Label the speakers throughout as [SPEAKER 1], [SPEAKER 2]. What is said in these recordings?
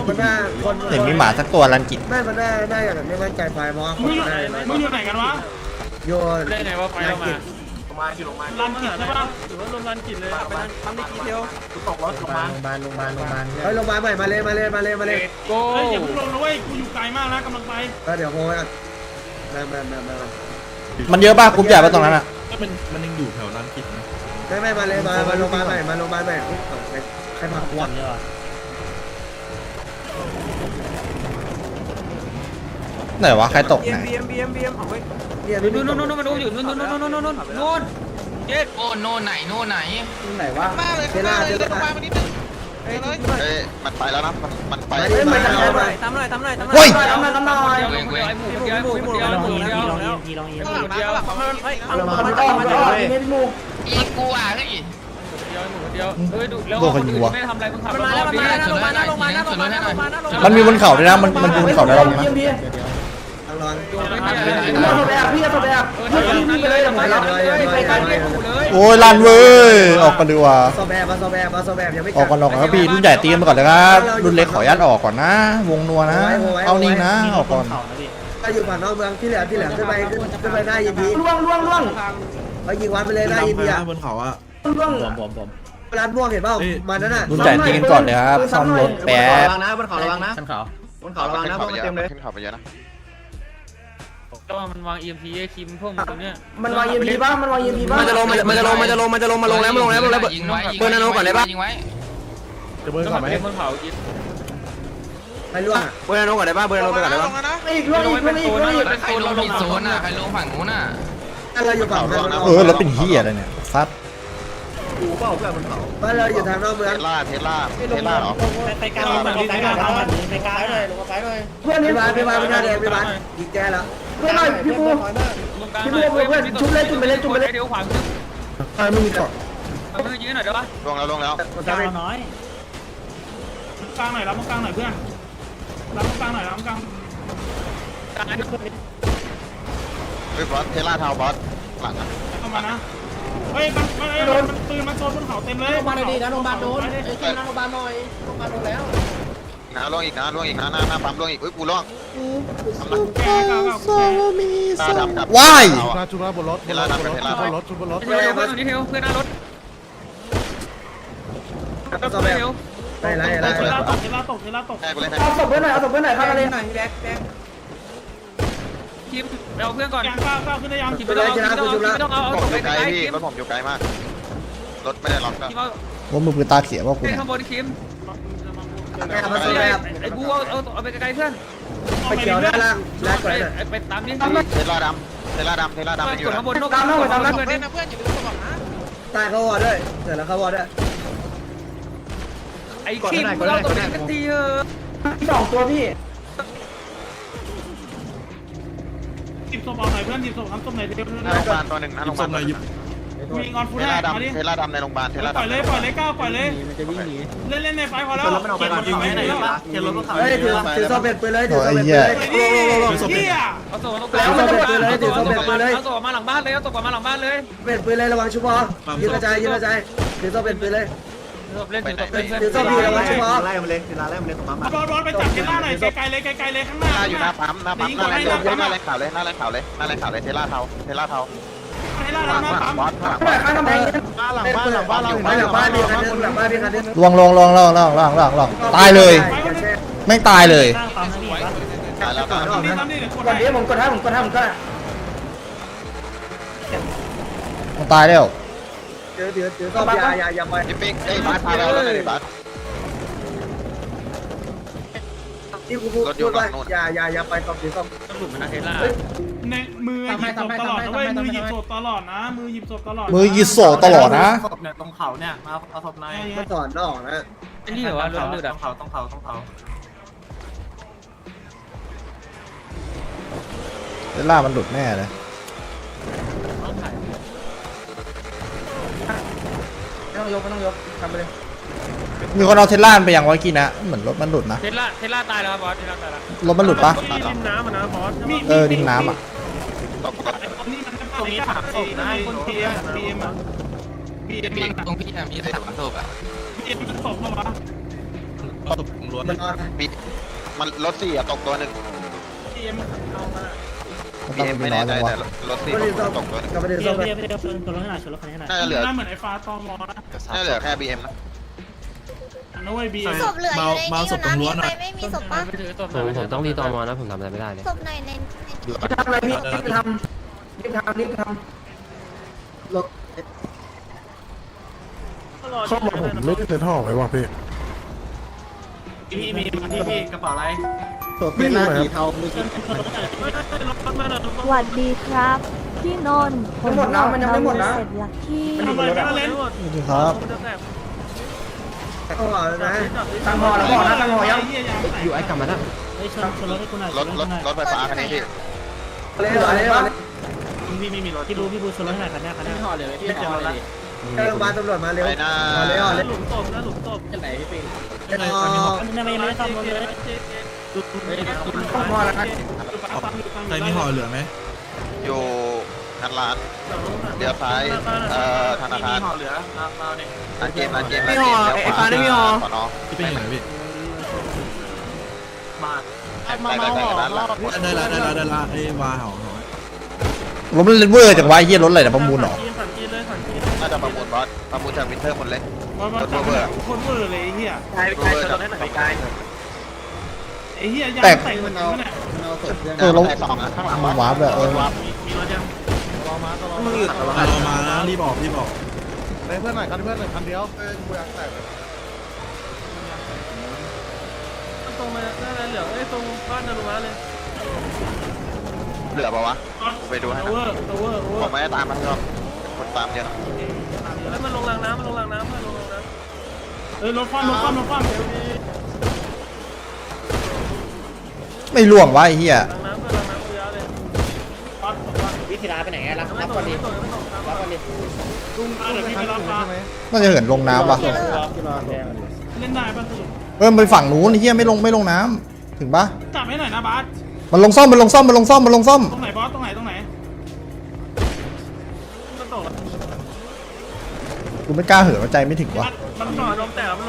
[SPEAKER 1] มันน่าคน
[SPEAKER 2] เห็นมีหมาสักตัวรันกิจ
[SPEAKER 1] ไม่มันน่าอย่างไม่มั่นใจไฟเพราะคนได้
[SPEAKER 3] มึงอยู่ไหนกันวะ
[SPEAKER 1] โยน
[SPEAKER 4] ได้ไงว่าไฟเรามา
[SPEAKER 3] รันกิจใช่ปะ
[SPEAKER 4] หรือว่าลมรันกิจเลยไปทำในทีเดียว
[SPEAKER 1] โรงพยาบาลเฮ้ยโรงพยาบาลใหม่มาเลย
[SPEAKER 4] โก้
[SPEAKER 3] เฮ้ยอย่าเพิ่งลงนะเว้ยกูอยู่ไกลมากนะกำลังไป
[SPEAKER 1] เดี๋ยวโฮยกันมา
[SPEAKER 2] มันเยอะป่ะกรุ๊ปใหญ่ป่ะตรงนั้นอ่ะ
[SPEAKER 5] มันยังอยู่แถวร้านกิจนะ
[SPEAKER 1] ไม่มาเลยมาโรงพยาบาลใหม่ใครพาขวด
[SPEAKER 2] ไหนวะใครตกไหน
[SPEAKER 1] เนี่ย
[SPEAKER 4] นู่นมันดูอยู่นู่นเย็ดโอ้โน่นไหน
[SPEAKER 1] ไหนวะเทล่า
[SPEAKER 6] เอ้ยมันไปแล้วนะมันไป
[SPEAKER 4] ตามหน่อย
[SPEAKER 2] เฮ้ย
[SPEAKER 4] ไอ้หมูเดียวอีกูอ่ะเฮ้ยเดียวเฮ้ยดูแล้วไม่ทำอะไรมึงขับมาแล้ว
[SPEAKER 2] มันมีบนเขาด้วยนะมันบนเขาได้แล้วนะ
[SPEAKER 1] ลอง
[SPEAKER 2] โอ้ยลันเว้ยออกกันดีกว่า
[SPEAKER 1] โซแบบยังไม่
[SPEAKER 2] ออกก่อนครับพี่รุ่นใหญ่ตีกันมาก่อนเลยครับรุ่นเล็กขออนุญาตออกก่อนนะ วงนัวนะเอานิ่งนะออกก่อน
[SPEAKER 1] ถ้าอยู่ฝั่งนอกเมืองที่เหลือขึ้นไปหน้ายินดีล่วงไปยิงวันไปเลยหน้ายินดีอ่ะ
[SPEAKER 5] บนเขาอ่ะ
[SPEAKER 1] ร้านม่วงเห็นเปล่ามันนั่นน่ะ
[SPEAKER 2] รุ่นใหญ่ตีกันก่อนเลยครับซ่อมรถแป๊บ
[SPEAKER 6] ขึ้นเขาระวังนะขึ้นเขาไปเยอะนะ
[SPEAKER 4] ก็มันวาง EMP ไอ้คิมพวกมึงตรงเนี้ย
[SPEAKER 1] มันวางยินดีบ้างมันจะลงแล้ว
[SPEAKER 4] ยิงไว้เปิดนาโนก่อนเลยป่ะยิงไว้
[SPEAKER 5] จะเบิร์นก่อนไหม
[SPEAKER 4] มันเผายิง
[SPEAKER 1] ไปล่วง
[SPEAKER 7] เบอร์นาโนก่อนได้ป่ะเบอร์นาโนไปก่อนได้ป่ะ
[SPEAKER 1] อีกล่วงอีก
[SPEAKER 4] ใครลงผิดโซนอ่ะใครลงฝั่งนู้นอ่ะ
[SPEAKER 1] เราอยู่ฝั่ง
[SPEAKER 2] แล้วเป็นเฮียอะไรเนี่ยซัด
[SPEAKER 1] บ้านเราอยู่ทางนอกเมือง
[SPEAKER 6] เทสลาเหรอ
[SPEAKER 3] ไปกลางมันไปกลางเลยลงมาไปเลย
[SPEAKER 1] เพื่อนพี่บ้านไม่น่าแดงพี่บ้านยิงแกแล้วเพื่อนหน่อยพี่ปูชุบเลย
[SPEAKER 4] เดี๋ยวขวามือ
[SPEAKER 2] ไม่มีเกาะ
[SPEAKER 4] มือยิงหน่อยได้ป่ะ
[SPEAKER 6] ลงแล้ว
[SPEAKER 3] กลางน้อยกลางหน่อยรับกลางหน่อยเพื่อนรับกลางหน่อยรับกลาง
[SPEAKER 6] เฮ้ยบอสเทสลาเทาบอสหลังนะ
[SPEAKER 3] เข้ามานะเฮ้ยมันปืนมันโซนบนเขาเต็มเลย
[SPEAKER 1] โรงพยาบาลดีนะโรงพยาบาลโดนไอ้ที่นั่งโรงพยาบาลหน่อยโรงพยาบาลโดนแล้ว
[SPEAKER 6] ล่วงอีกนะหน้าปั๊มล่วงอีกอุ้ยกูล่วง
[SPEAKER 3] แก
[SPEAKER 6] ตาดำกับ
[SPEAKER 2] ว้าย
[SPEAKER 5] ชุบบนรถบนรถ
[SPEAKER 4] เพื่อนหน้ารถ
[SPEAKER 1] ก็แบบไร
[SPEAKER 3] เทล่าตก
[SPEAKER 6] แค่กูเล่น
[SPEAKER 1] เอาศพเพื่อนหน่อยเข้ามาเลยหน่อยแดก
[SPEAKER 4] คิมเอาเพื่อนก่อน
[SPEAKER 3] กลางก้าวขึ้นได้ยัง
[SPEAKER 4] คิมไม่ต้องเอา
[SPEAKER 6] ผม
[SPEAKER 4] ตก
[SPEAKER 6] อ
[SPEAKER 4] ไป
[SPEAKER 6] ยู่ไกล
[SPEAKER 4] ไกล
[SPEAKER 6] พี่
[SPEAKER 4] คิม
[SPEAKER 6] รถผมอยู่ไกลมากรถไม่ได้ล็อกก็
[SPEAKER 4] คิมเอา
[SPEAKER 2] ว่ามือปืนตาเขียวว่ากู
[SPEAKER 4] ขึ้น
[SPEAKER 2] เนี่ย
[SPEAKER 4] ข้างบนคิม
[SPEAKER 1] มาศพแบบ
[SPEAKER 4] ไอ้กูเอาไปไกลเพื่อน
[SPEAKER 1] ไปเขียวด้านล่างแลกก่อนเลย
[SPEAKER 4] ไปตามนี่
[SPEAKER 6] เทสลาดำมันอยู่
[SPEAKER 4] ข้างบนนก
[SPEAKER 1] ตามเพื่อน
[SPEAKER 4] เพื่อน
[SPEAKER 1] ตายเขาวอด้วยเสร็จแล้วเขาวอด้วย
[SPEAKER 4] ไอ้คิมเราตกกันทีเออ
[SPEAKER 1] 2 ตัวพี่
[SPEAKER 3] จิบศพออกหน่อยเพื่อนจิบศพทำศพไหนเดี๋ยว
[SPEAKER 6] หน้าโรงพยาบาลตัวหนึ่งหน้าโรงพยาบาล
[SPEAKER 3] มีงอนฟู
[SPEAKER 6] เท
[SPEAKER 3] ด
[SPEAKER 6] ส
[SPEAKER 3] ได้
[SPEAKER 6] ลา
[SPEAKER 3] มาดิ
[SPEAKER 6] ดำเทสลาดำในโรงพยาบาลเทสลา
[SPEAKER 3] ปล่อย
[SPEAKER 6] ดำ
[SPEAKER 3] เลยก้าวปล่อยเลยเล่นในไฟพอแล้วยิงไหนแล้ว
[SPEAKER 1] เฮ้ยถือโซเบ็ดไปเลยถือโซเบ็ดไปเลย
[SPEAKER 3] เฮีย
[SPEAKER 4] เอาตัวเอาตัวมาหลังบ้านเลยเอาตัวมาหลังบ้านเลย
[SPEAKER 1] เบ็ดปืนเลยระวังชุบอยืนกระจายถือโซเบ็ดปืนเลย
[SPEAKER 4] เล่น
[SPEAKER 1] ถือโซบีระวังชุบอ
[SPEAKER 3] โดนไปจับเทล่าหน่อยไกลเลยข้างหน้า
[SPEAKER 6] อยู่หน้าปั๊มหน้าแรงข่าวเลยเทสลาเทา
[SPEAKER 3] เทล่าหน้าปั๊ม
[SPEAKER 6] บอสข้างหลัง
[SPEAKER 1] ข้างกำแพงหลังบ้านมีคันนึง
[SPEAKER 2] ลวงตายเลยไม่ตายเลย
[SPEAKER 6] ตายแล้ว
[SPEAKER 1] ก่อนนี้ผมกดให้ก็
[SPEAKER 2] มันตายแล้ว
[SPEAKER 1] ถือโซบีอย่าไป
[SPEAKER 6] ยิปปิ้งเอ้ยบาสพาแล้วเลยบาส
[SPEAKER 1] ที่กูพูดว่าอย่าไปตบถือโซ
[SPEAKER 4] หลุมนะเทล่า
[SPEAKER 3] ในมือหยิบศพตลอดนะเว้ยมือหยิบศพตลอดนะมือหยิบศพตลอด
[SPEAKER 2] มือยีโซตลอดนะ
[SPEAKER 7] ศพเนี่ยตรงเขาเนี่ยมาเอาศพใน
[SPEAKER 1] มันสอนนอกนะ
[SPEAKER 4] นี่เหรอวะรถมืดอ่ะ
[SPEAKER 7] ต้องเขา
[SPEAKER 2] เวลามันหลุดแน่เลย
[SPEAKER 1] ไม่ต้องยกทำไปเลย
[SPEAKER 2] มีคนเอาเทสลาไปยังวะกี้นะเหมือนรถมันหลุดนะ
[SPEAKER 4] เทล่าตายแล้วบอสเทล่าตายแล้ว
[SPEAKER 2] รถมันหลุดปะ
[SPEAKER 3] ดินน้ำนะบอส
[SPEAKER 2] ดินน้ำอ่ะ
[SPEAKER 3] นี่มันตรงนี้ถามศพนะคนพีเอ็มอ่ะพีเอ็ม
[SPEAKER 4] ตรงพี่มี3ศพอ่ะ
[SPEAKER 3] พีเอ็มมันศพปะวะ
[SPEAKER 5] ตบล้วน
[SPEAKER 1] มันนอน
[SPEAKER 6] มีมันรถสี่ตกตัวหนึ่ง
[SPEAKER 3] ทีเอ็มเอามา
[SPEAKER 2] มันต้อง
[SPEAKER 6] ไม่
[SPEAKER 2] มีน้
[SPEAKER 6] แน่
[SPEAKER 2] อย
[SPEAKER 6] ใจ
[SPEAKER 2] จังวะ
[SPEAKER 6] แต่รถสี่
[SPEAKER 1] ก็เลยต้อง
[SPEAKER 6] ตกตัวหนึ่ง
[SPEAKER 1] กลับไปเดิน
[SPEAKER 8] เดี๋
[SPEAKER 1] ส้
[SPEAKER 8] ยว
[SPEAKER 1] มไป
[SPEAKER 8] เดี๋ยวเดี๋ยวชนรถขนาดชนรถคันนี้ขนาด
[SPEAKER 6] น่าจะเหลือ
[SPEAKER 3] หน้าเหมือนไอ้ฟ้าตอมอนะ
[SPEAKER 6] น่าจะเหลือแค่ BM นะ
[SPEAKER 3] นะเว้ยบี
[SPEAKER 9] ศพเหลืออยู่ในนี้อยู่นะมีใครไม่มีศพปะ
[SPEAKER 4] ไปถือศพ
[SPEAKER 10] ผมต้องรีตอมอนะผมทำอะไรไม่ได้เลย
[SPEAKER 9] ศพหน่อยใน
[SPEAKER 1] ทำอะไรพี่รีบทำรีบทำรถ
[SPEAKER 5] เขาบอกผมไม่ได้เซ็นท่อไว้ว่ะพี่
[SPEAKER 7] พี่มีพี่กระเป๋าอะไร
[SPEAKER 1] ศพเป็นหน้าสีเทาไม่ใช่
[SPEAKER 11] สวัสดีครับ พี่นนท์ผมเสร็จลักกี้
[SPEAKER 3] ทำไมไม่มาเล่น
[SPEAKER 2] สวัสดีครับ
[SPEAKER 1] ต้องห่อแล้วนะตั้งห่อแล้วห่อนะตั้งห่อยัง
[SPEAKER 10] อยู่ไอ้กลับมาแล้ว
[SPEAKER 8] เฮ้ยชนรถให้กูหน่อย
[SPEAKER 6] รถไฟฟ้าคันนี้พี่
[SPEAKER 1] เลยเลย
[SPEAKER 3] พี่ไม่มีรถ
[SPEAKER 8] พี่บูชนรถให้หน่อยคันหน้าคันหน้า
[SPEAKER 7] ห่อเลยพี่ห่อเลย
[SPEAKER 1] โรงพยาบาลตำรวจมาเร็ว
[SPEAKER 6] ไปหน้า
[SPEAKER 1] เลยห่อเลย
[SPEAKER 3] หลุมตบนะหลุมตบ
[SPEAKER 7] จะไหนพี่ปิง
[SPEAKER 8] ไม่ได้ซ่อมรถเลย
[SPEAKER 1] ห่อแล้วนะ
[SPEAKER 5] ใครมีห่อเหลือไหม
[SPEAKER 6] อยู่งานร้านเดี๋ยวซ้ายธนาคาร
[SPEAKER 7] ห่อเหลือมาเนี่ย
[SPEAKER 6] ร้านเกมขอนอ
[SPEAKER 5] ที่เป็นยังไงพี่
[SPEAKER 7] มา
[SPEAKER 6] ได้ร้านหลัง
[SPEAKER 5] ได้ละไอ้วาห่อ
[SPEAKER 2] รถมันเวอร์จังวะไอ้เหี้ยรถอะไรเนี่ยประมูลเหรอ
[SPEAKER 3] สันจีเลยสันจี
[SPEAKER 6] น่าจะประมูลบอสประมูลจากวินเทอร์หมดเลย
[SPEAKER 3] มาจับคนเวอร์เลยไอ้เหี้ย
[SPEAKER 7] ใครชนรถให้หน่อยกาย
[SPEAKER 3] ไอ้เหี้ยยางแต่งมันเอาเนี่ย
[SPEAKER 1] เอาศพเพื่อน
[SPEAKER 2] เออรถ
[SPEAKER 6] สองข้างหลัง
[SPEAKER 2] มันวาร์ปเลยเออ
[SPEAKER 7] มีรถยัง
[SPEAKER 1] มึงหยุดตลอด
[SPEAKER 5] เรามานะรีบออก
[SPEAKER 1] ไปเพื่อนหน่อยคันเพื่อนหน่อยคันเดียว
[SPEAKER 3] ตรงมาหน้าเหลืองไอ้ตรงบ้านนารุมะเลย
[SPEAKER 6] เหลือปะวะไปดูให้
[SPEAKER 3] โอเวอร์โอเวอร์โอเวอ
[SPEAKER 6] ผม
[SPEAKER 3] ร์
[SPEAKER 6] ไม่ได้ตามมันหรอกคนตามเยอะ
[SPEAKER 3] แล้วมันลงรางน้ำมันลงรางน้ำมันลงรางน้ำรถคว่ำรถคว่ำรถคว่ำ
[SPEAKER 2] ไม่ล่วงวะไอ้เหี้ย
[SPEAKER 3] รางน้ำเพื่อรางน้ำเยอะเลยปั๊บ
[SPEAKER 8] วิธีร้ายไปไหนรับก่อนดิรับก่อนดิ
[SPEAKER 3] ลุงเดี๋ยวพี่ไปรับปลา
[SPEAKER 2] น่าจะเหินลงน้ำปะ
[SPEAKER 3] เล่นได้ป่ะสรุป
[SPEAKER 2] เออมันไปฝั่งนู้นไอ้เหี้ยไม่ลงน้ำถึงปะ
[SPEAKER 3] จับให้หน่อยนะบาส
[SPEAKER 2] มันลงซ่อม
[SPEAKER 3] ตรงไหนบอสตรงไหนมันตก
[SPEAKER 2] กูไม่กล้าเหินว่าใจไม่ถึงวะ
[SPEAKER 3] มันหน่อยลมแต่มัน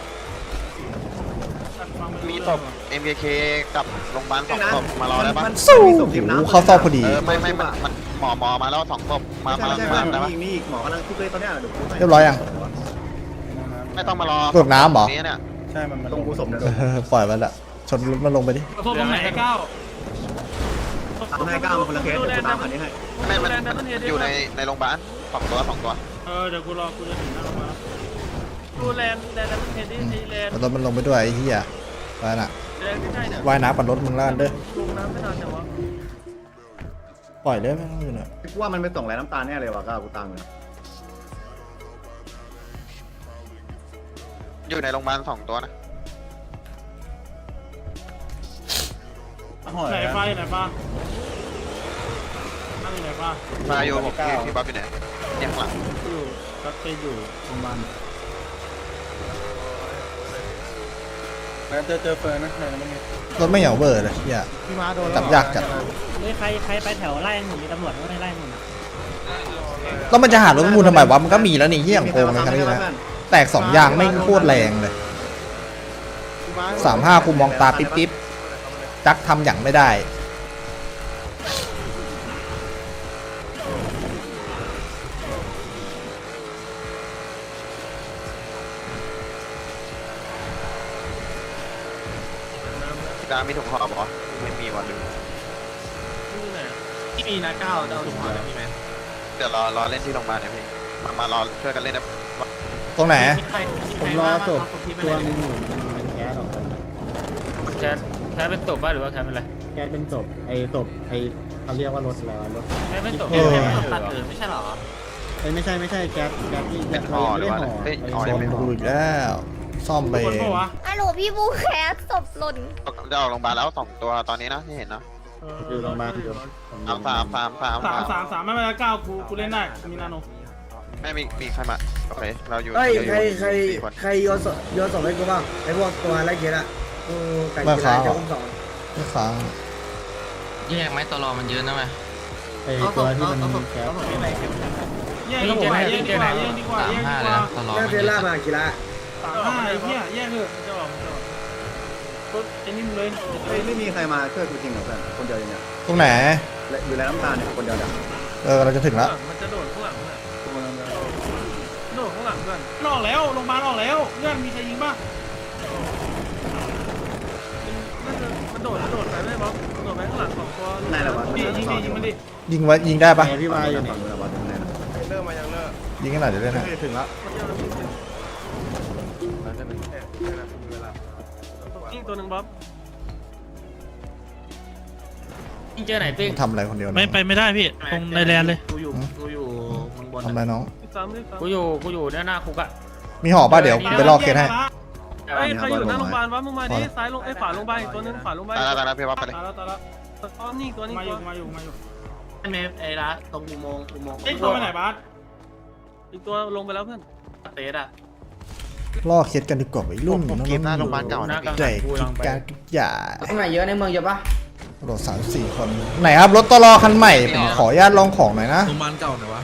[SPEAKER 6] มีศพ MKK กับโรงพยาบาลสองศพมารอได้ปะ
[SPEAKER 2] สู้โอ้โหเข้าซอกพอดี
[SPEAKER 6] ไม่มันหมอมาแล้วสองศพมาได้ปะ
[SPEAKER 1] มีอีกหมอกำลังทุบเลยตอนนี้เดี๋ยวกู
[SPEAKER 2] เรียบร้อยยัง
[SPEAKER 6] ไม่ต้องมารอ
[SPEAKER 2] ตรวจน้ำเหรอ
[SPEAKER 6] นี้เนี่ย
[SPEAKER 1] ใช่มันลงกูสมเดี๋ยว
[SPEAKER 2] เออปล่อยมันละชนรถมันลงไปดิ
[SPEAKER 3] โทษตรงไหนก้าว
[SPEAKER 1] ทำให้ก้าวมาคนละเคสกูตามคันนี้ให้
[SPEAKER 6] ไม่มันอยู่ในโรงพยาบาลสองตัว
[SPEAKER 3] เดี๋ยวกูรอกูจะถึงหน้าโรงพยาบาลดูแลนมันเห็นที่แลน
[SPEAKER 2] มันรถมันลงไปด้วยไอ้เหี้ยไปน่ะ
[SPEAKER 3] แลนใกล้ๆเนี่ย
[SPEAKER 2] ว่ายน้ำปั่นรถมึงแล้วกันเด้อ
[SPEAKER 3] ลงน้ำไม่นานแต่ว่า
[SPEAKER 2] ปล่อยเลยไม่ต้องอยู่น่ะ
[SPEAKER 1] กูว่ามันไปส่งแรงน้ำตาลแน่เลยว่ะก้าวกูตามเลย
[SPEAKER 6] อยู่ในโรงพยาบาลสองตัวนะ
[SPEAKER 3] ไหนฟ้าอยู่ไหนฟ้านั่งอยู่ไหนฟ้า
[SPEAKER 6] มาอยู่ผมพี่บ๊อบอยู่ไหนยังหลัง
[SPEAKER 3] อยู่ก็ไปอยู่โรงพยาบาล
[SPEAKER 1] เจอเฟิร์นนะไหนมันมี
[SPEAKER 2] รถไม่เหยาเบอร์เลยเหี้ย
[SPEAKER 1] พี่มาโดน
[SPEAKER 2] จับยากจัด
[SPEAKER 8] เฮ้ยใครไปแถวไล่หนุ่มมีตำรวจไม่ไล่หนุ่ม
[SPEAKER 2] แล้วมันจะหารถประมูลทำไมวะมันก็มีแล้วนี่เหี้ยอย่างโกงเลยครับนี่นะแตก2อย่างไม่งโคตรแรงเลย35กูมองตาปิ๊บจักทำอย่างไม่ได้
[SPEAKER 6] พี่ตามีถุงห่อปะไม่มีวันลืม
[SPEAKER 7] ที่มีนะก้าวเอาถุงห่อมีไหม
[SPEAKER 6] เดี๋ยวรอเล่นที่โรงพยาบาลนะพี่มารอช่วยกันเล่นนะ
[SPEAKER 2] ตรงไหน
[SPEAKER 7] ผมรอศพตัวนึง
[SPEAKER 8] แก๊สออกไป
[SPEAKER 4] แคสเป็นศพป่ะหรือว่าแคสเป็นอะไร
[SPEAKER 8] แก๊สเป็นศพศพเขาเรียกว่ารถอะไรรถ
[SPEAKER 4] แคสเป็นศพ
[SPEAKER 7] ตัดไม่ใช่หรอ
[SPEAKER 8] ไม่ใช่แก๊สที่
[SPEAKER 6] เป็นห่อหรือว่าเฮ้ยห่อ
[SPEAKER 2] ช
[SPEAKER 6] ยัง
[SPEAKER 2] น
[SPEAKER 6] ไม่ห่อ
[SPEAKER 2] กูอีกแล้วซ่อมไป
[SPEAKER 3] คน
[SPEAKER 2] เอง
[SPEAKER 3] ปะวะ
[SPEAKER 9] ฮัลโหลพี่บูแคสศพหล่น
[SPEAKER 6] จะออกโรงพยาบาลแล้วสองตัวตอนนี้นะที่เห็นนะ
[SPEAKER 8] อยู่โรงพยาบาลอยู่
[SPEAKER 6] สาม
[SPEAKER 3] ไม่เป็นไรก้าวกูเล่นได้มีนาโน
[SPEAKER 6] ไม่มีใครมาโอเคเราอยู่
[SPEAKER 1] เฮ้ย
[SPEAKER 6] 4 คน
[SPEAKER 1] ใครโยนศพให้กูบ้างไอ้พวกตัวไล่เกียร์อะกูไก่กีฬาจะอุ้มสอง
[SPEAKER 2] ไม่ค้าง
[SPEAKER 4] แยกไหมตลอมันเยอะนะไหม
[SPEAKER 8] ไอ้ตัวที่มันแก๊ส
[SPEAKER 3] แย่ดีกว่าแย่ดีกว่า
[SPEAKER 6] 35เลยนะตลอด
[SPEAKER 1] เรื่องเทล่ามากีฬา
[SPEAKER 3] 35ไอ้เหี้ยแย่เถอะ
[SPEAKER 7] จะบอก
[SPEAKER 3] ไไอ้นี่มึงเลย
[SPEAKER 8] ไม่มีใครมาช่วยกูจริงเหรอเพื่อนคนเดียวอย่างเงี้ย
[SPEAKER 2] ตรงไหน
[SPEAKER 8] อยู่แล้วน้ำตาเนี่ยคนเดียวเนี่ย
[SPEAKER 2] เราจะถึงแล้ว
[SPEAKER 3] มันจะโดดข้างหลังโดดข้างหลังเพื่อนออกแล้วโรงพยาบาลออกแล้วเพื่อนมีใครยิงป่ะมันโดดไปไม่บอสโดดไปข้างหลังสองตัว
[SPEAKER 8] ไหนล่ะวะ
[SPEAKER 3] ยิงมันดิ
[SPEAKER 2] ยิงไว้ยิงได้ปะ
[SPEAKER 8] พี่วายอยู่ฝั่งนู้นวะตรงไหนนะ
[SPEAKER 2] ยิงกันหน่อยเดี๋ยวเล่นให้
[SPEAKER 8] ถึงแล้ว
[SPEAKER 3] ยิงตัวหนึ่งบอส
[SPEAKER 4] ยิงเจอไหนปิ๊ก
[SPEAKER 2] ทำอะไรคนเดียว
[SPEAKER 3] ไม่ไปไม่ได้พี่ตรงในแลนเลย
[SPEAKER 7] กูอยู่ข้างบน
[SPEAKER 2] ทำอะไรน้อง
[SPEAKER 4] กูอยู่หน้าคุกอะ
[SPEAKER 2] มีห่อป่ะเดี๋ยวไปลอกเคสให้
[SPEAKER 3] เฮ้ยใครอยู่หน้าโรงพยาบาลวะมึงมาดิซ้ายลงไอ้ขวาลงไปตัวนึงขวาลงไป
[SPEAKER 6] ตายแล้วพี่วับไปเลย
[SPEAKER 3] ตายแล้วตัวนี้ตัวนี้มาอยู่
[SPEAKER 7] เมฟไอ้ร้านตรงอุโมงค์
[SPEAKER 3] ไอ้ตัวไปไหนบาสอีกตัวลงไปแล้วเพื่อน
[SPEAKER 7] เตสอ่ะ
[SPEAKER 2] ลอกเคสกันดีกว่าไอ้รุ่น
[SPEAKER 6] ผมเกมหน้าโรงพยาบาลเก่านะพี่
[SPEAKER 2] ใจกิจการกิจยา
[SPEAKER 1] ข้างในเยอะในเมืองเยอะปะ
[SPEAKER 2] รถ3-4 คนไหนครับรถตลอคันใหม่ผมขออนุญาตลองของหน่อยนะ
[SPEAKER 5] โรงพยาบาลเก่าหน่อยวะ